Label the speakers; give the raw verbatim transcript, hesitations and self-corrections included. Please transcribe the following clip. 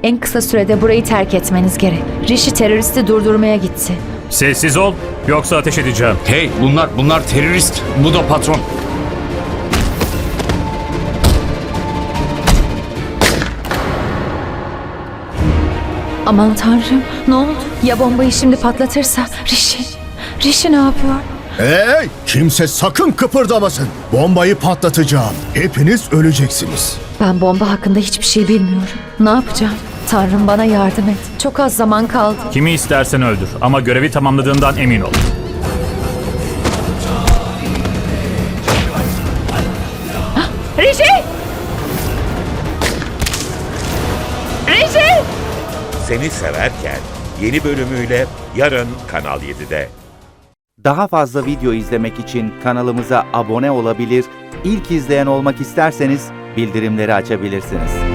Speaker 1: En kısa sürede burayı terk etmeniz gerek. Rishi teröristi durdurmaya gitti.
Speaker 2: Sessiz ol, yoksa ateş edeceğim.
Speaker 3: Hey, bunlar bunlar terörist. Bu da patron.
Speaker 1: Aman tanrım, ne oldu? Ya bombayı şimdi patlatırsa? Rishi, Rishi ne yapıyor?
Speaker 4: Hey! Kimse sakın kıpırdamasın. Bombayı patlatacağım. Hepiniz öleceksiniz.
Speaker 1: Ben bomba hakkında hiçbir şey bilmiyorum. Ne yapacağım? Tanrım bana yardım et. Çok az zaman kaldı.
Speaker 2: Kimi istersen öldür ama görevi tamamladığından emin ol.
Speaker 1: Rishi! Rishi!
Speaker 5: Seni Severken yeni bölümüyle yarın Kanal yedide.
Speaker 6: Daha fazla video izlemek için kanalımıza abone olabilir, ilk izleyen olmak isterseniz bildirimleri açabilirsiniz.